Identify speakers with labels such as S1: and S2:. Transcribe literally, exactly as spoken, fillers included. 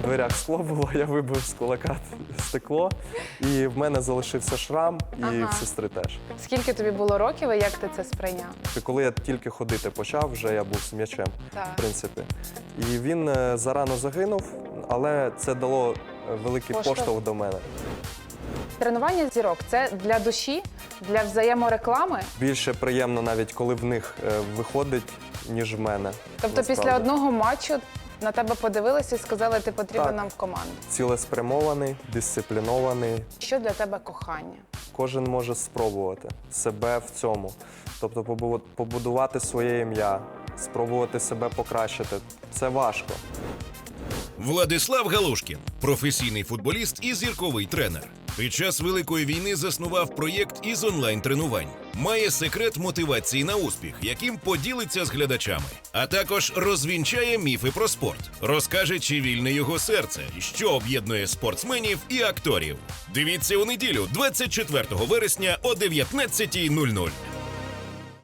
S1: дверях скло було, я вибив з кулака стекло, і в мене залишився шрам, і
S2: Ага.
S1: в сестри теж.
S2: Скільки тобі було років і як ти це сприйняв?
S1: І коли я тільки ходити почав, вже я був з м'ячем,
S2: Так.
S1: в принципі. І він е, зарано загинув, але це дало е, великий
S2: Поштовх.
S1: поштовх до мене.
S2: Тренування зірок – це для душі, для взаємореклами?
S1: Більше приємно навіть, коли в них е, виходить, ніж в мене.
S2: Тобто
S1: насправді.
S2: після одного матчу на тебе подивилися і сказали, ти потрібен
S1: Так.
S2: нам в команду.
S1: Цілеспрямований, дисциплінований.
S2: Що для тебе кохання?
S1: Кожен може спробувати себе в цьому. Тобто побу- побудувати своє ім'я, спробувати себе покращити. Це важко.
S3: Владислав Галушкін – професійний футболіст і зірковий тренер. Під час Великої війни заснував проєкт із онлайн-тренувань. Має секрет мотивації на успіх, яким поділиться з глядачами. А також розвінчає міфи про спорт. Розкаже, чи вільне його серце, що об'єднує спортсменів і акторів. Дивіться у неділю, двадцять четвертого вересня о дев'ятнадцятій нуль нуль.